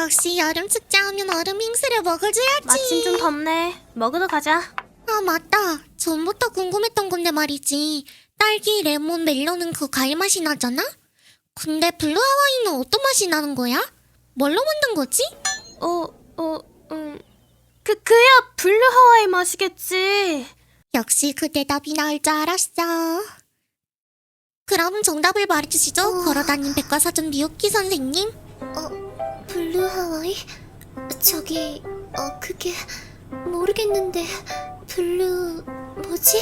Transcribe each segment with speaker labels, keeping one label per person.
Speaker 1: 역시 여름 축제하면 얼음 빙수를 먹어줘야지.
Speaker 2: 마침 좀 덥네. 먹으러 가자.
Speaker 1: 아 맞다. 전부터 궁금했던 건데 말이지. 딸기, 레몬, 멜론은 그 과일 맛이 나잖아? 근데 블루 하와이는 어떤 맛이 나는 거야? 뭘로 만든 거지?
Speaker 2: 그야 블루 하와이 맛이겠지.
Speaker 1: 역시 그 대답이 나올 줄 알았어. 그럼 정답을 말해주시죠. 걸어다닌 백과사전 미호키 선생님.
Speaker 3: 블루 하와이? 저기, 그게 모르겠는데 블루 뭐지?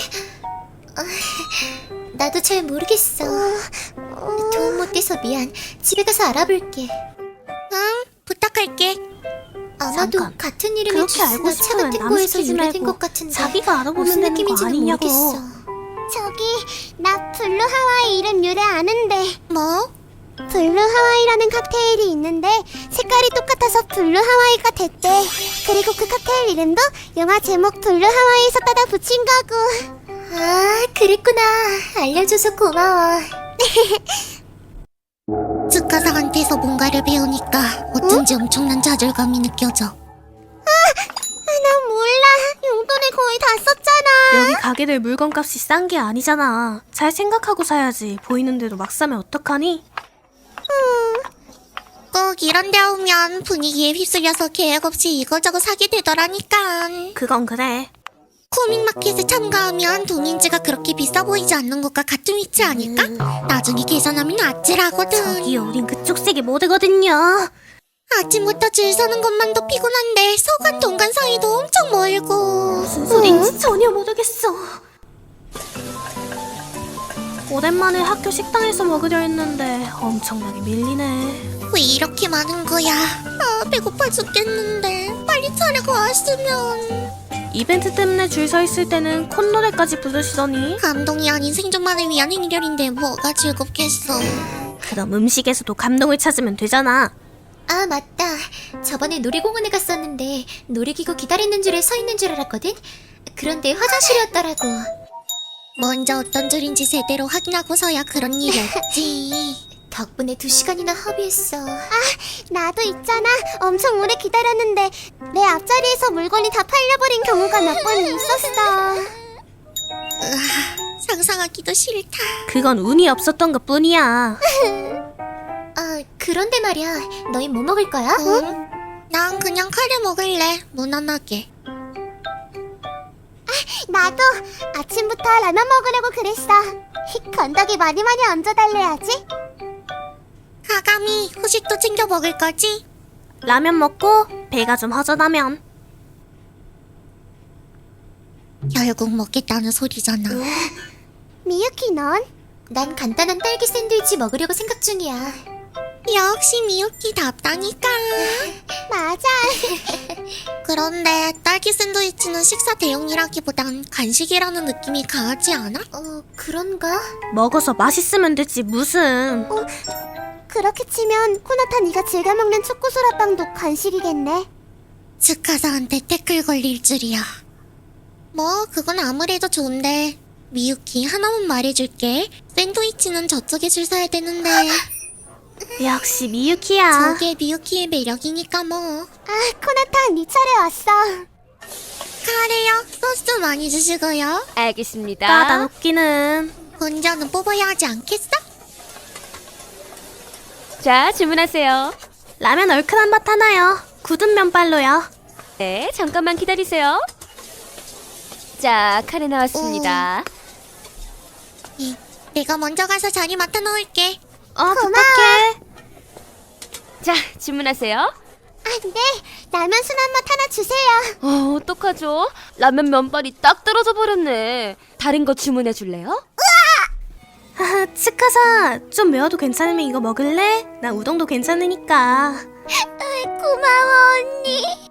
Speaker 3: 나도 잘 모르겠어. 도움 못 돼서 미안. 집에 가서 알아볼게.
Speaker 1: 응, 부탁할게.
Speaker 3: 아마도
Speaker 2: 잠깐.
Speaker 3: 같은 이름의
Speaker 2: 그렇게 알고
Speaker 3: 주스나 차
Speaker 2: 싶으면
Speaker 3: 같은
Speaker 2: 남
Speaker 3: 거에서
Speaker 2: 시키지
Speaker 3: 유래된
Speaker 2: 말고
Speaker 3: 것 같은데
Speaker 2: 자기가 알아보면
Speaker 3: 무슨
Speaker 2: 되는 거
Speaker 3: 느낌인지는
Speaker 2: 아니냐고.
Speaker 3: 모르겠어.
Speaker 4: 저기 나 블루 하와이 이름 유래 아는데.
Speaker 1: 뭐?
Speaker 4: 블루 하와이라는 칵테일이 있는데 색깔이 똑같아서 블루 하와이가 됐대. 그리고 그 칵테일 이름도 영화 제목 블루 하와이에서 따다 붙인 거고.
Speaker 3: 아, 그랬구나. 알려줘서 고마워.
Speaker 1: 츠카상한테서 뭔가를 배우니까 어쩐지 엄청난 좌절감이 느껴져.
Speaker 4: 나 몰라. 용돈을 거의 다 썼잖아.
Speaker 2: 여기 가게들 물건값이 싼 게 아니잖아. 잘 생각하고 사야지. 보이는 대로 막 사면 어떡하니?
Speaker 1: 꼭 이런 데 오면 분위기에 휩쓸려서 계획 없이 이거저거 사게 되더라니까.
Speaker 2: 그건 그래.
Speaker 1: 코믹마켓에 참가하면 동인지가 그렇게 비싸 보이지 않는 것과 같은 위치 아닐까? 나중에 계산하면 아찔하거든.
Speaker 2: 저기요, 우린 그쪽 색이 모르거든요.
Speaker 1: 아침부터 줄 서는 것만도 피곤한데 서간 동간 사이도 엄청 멀고.
Speaker 2: 무슨 소린지 전혀 모르겠어. 오랜만에 학교 식당에서 먹으려 했는데 엄청나게 밀리네.
Speaker 1: 왜 이렇게 많은 거야? 아, 배고파 죽겠는데 빨리 차려고 왔으면.
Speaker 2: 이벤트 때문에 줄 서 있을 때는 콧노래까지 부르시더니.
Speaker 1: 감동이 아닌 생존만을 위한 행렬인데 뭐가 즐겁겠어.
Speaker 2: 그럼 음식에서도 감동을 찾으면 되잖아.
Speaker 3: 아, 맞다. 저번에 놀이공원에 갔었는데 놀이기구 기다리는 줄에 서 있는 줄 알았거든? 그런데 화장실이었더라고.
Speaker 1: 먼저 어떤 줄인지 제대로 확인하고서야 그런 일이 없지.
Speaker 3: 덕분에 2시간이나 허비했어.
Speaker 4: 나도 있잖아. 엄청 오래 기다렸는데 내 앞자리에서 물건이 다 팔려버린 경우가 몇 번 있었어.
Speaker 1: 상상하기도 싫다.
Speaker 2: 그건 운이 없었던 것 뿐이야.
Speaker 3: 아, 그런데 말이야. 너희 뭐 먹을 거야?
Speaker 1: 응? 난 그냥 카레 먹을래. 무난하게.
Speaker 4: 나도 아침부터 라면 먹으려고 그랬어. 건더기 많이 얹어달래야지.
Speaker 1: 가감이 후식도 챙겨 먹을 거지?
Speaker 2: 라면 먹고 배가 좀 허전하면.
Speaker 1: 결국 먹겠다는 소리잖아.
Speaker 4: 미유키 넌?
Speaker 3: 난 간단한 딸기 샌드위치 먹으려고 생각 중이야.
Speaker 1: 역시 미유키답다니까.
Speaker 4: 맞아.
Speaker 1: 그런데 딸기 샌드위치는 식사 대용이라기보단 간식이라는 느낌이 강하지 않아?
Speaker 3: 그런가?
Speaker 2: 먹어서 맛있으면 되지 무슨.
Speaker 4: 그렇게 치면 코나타 네가 즐겨 먹는 초코소라빵도 간식이겠네.
Speaker 1: 츠카사한테 태클 걸릴 줄이야. 뭐 그건 아무래도 좋은데 미유키 하나만 말해줄게. 샌드위치는 저쪽에 줄 서야 되는데
Speaker 2: 역시 미유키야.
Speaker 1: 저게 미유키의 매력이니까 뭐.
Speaker 4: 코나타 네 차례 왔어.
Speaker 1: 카레요? 소스 많이 주시고요.
Speaker 5: 알겠습니다.
Speaker 2: 까다롭기는.
Speaker 1: 혼자는 뽑아야 하지 않겠어?
Speaker 5: 자, 주문하세요.
Speaker 2: 라면 얼큰한 맛 하나요. 굳은 면발로요.
Speaker 5: 네, 잠깐만 기다리세요. 자, 카레 나왔습니다.
Speaker 1: 내가 먼저 가서 자리 맡아 놓을게.
Speaker 2: 부탁해.
Speaker 5: 자, 주문하세요.
Speaker 4: 네, 라면 순한 맛 하나 주세요.
Speaker 5: 어떡하죠? 라면 면발이 딱 떨어져 버렸네. 다른 거 주문해 줄래요?
Speaker 2: 치카사 좀 매워도 괜찮으면 이거 먹을래? 나 우동도 괜찮으니까.
Speaker 4: 고마워 언니.